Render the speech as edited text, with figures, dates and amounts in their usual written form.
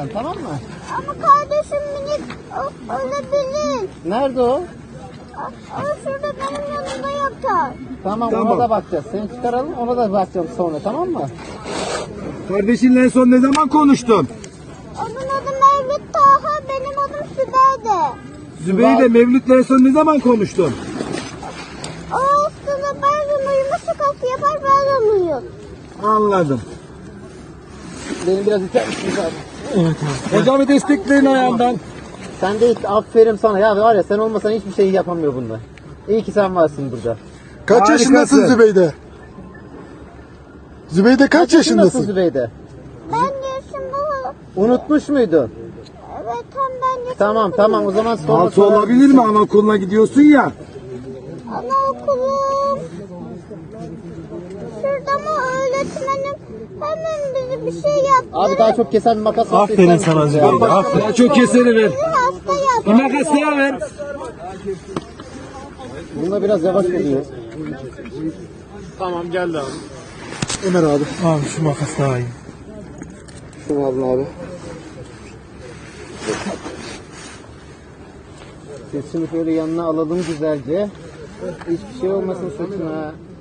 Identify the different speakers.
Speaker 1: sen, tamam mı?
Speaker 2: Ama kardeşim minik ölebilir.
Speaker 1: Nerede o?
Speaker 2: O şurada benim yanımda yatar.
Speaker 1: Tamam,
Speaker 3: Tamam.
Speaker 1: ona da bakacağız. Seni çıkaralım, ona da bakacağım sonra, tamam mı?
Speaker 3: Kardeşinle en son ne zaman konuştun?
Speaker 2: Onun adı Mevlüt Taha, benim adım Sübeyde.
Speaker 3: Zübeyde Mevlüt'le en son ne zaman konuştun?
Speaker 2: O aslında bazen uyuma şakası yapar, bazen uyur.
Speaker 3: Anladım.
Speaker 1: Beni biraz iter misin abi?
Speaker 3: Hocamı destekleyin ayağından.
Speaker 1: Sen de hiç aferin sana. Ya var ya, sen olmasan hiçbir şey yapamıyor bunlar. İyi ki sen varsın burada.
Speaker 4: Kaç
Speaker 3: Harikasın.
Speaker 4: yaşındasın Zübeyde? Zübeyde kaç
Speaker 1: Nasıl
Speaker 4: yaşındasın?
Speaker 1: Zübeyde?
Speaker 2: Ben yaşımda...
Speaker 1: Unutmuş muydun?
Speaker 2: Evet, tam ben yaşımda...
Speaker 1: Tamam, o zaman sonra
Speaker 3: Altı olabilir mi? Anaokuluna gidiyorsun ya.
Speaker 2: Anaokulum. Şurada mı öğretmenim hemen bize bir şey yaptı.
Speaker 1: Abi daha çok kesen bir makas var.
Speaker 5: Aferin sana Zübeyde, aferin.
Speaker 3: Daha çok keseni ver.
Speaker 2: Bizi hasta yaptı.
Speaker 3: Bir makas daha ver.
Speaker 1: Bunda biraz yavaş oluyor.
Speaker 4: Ömer abi.
Speaker 5: Abi şu makas daha iyi.
Speaker 4: Şunu alın abi.
Speaker 1: Sesini şöyle yanına alalım güzelce. Hiçbir şey olmasın sırtına.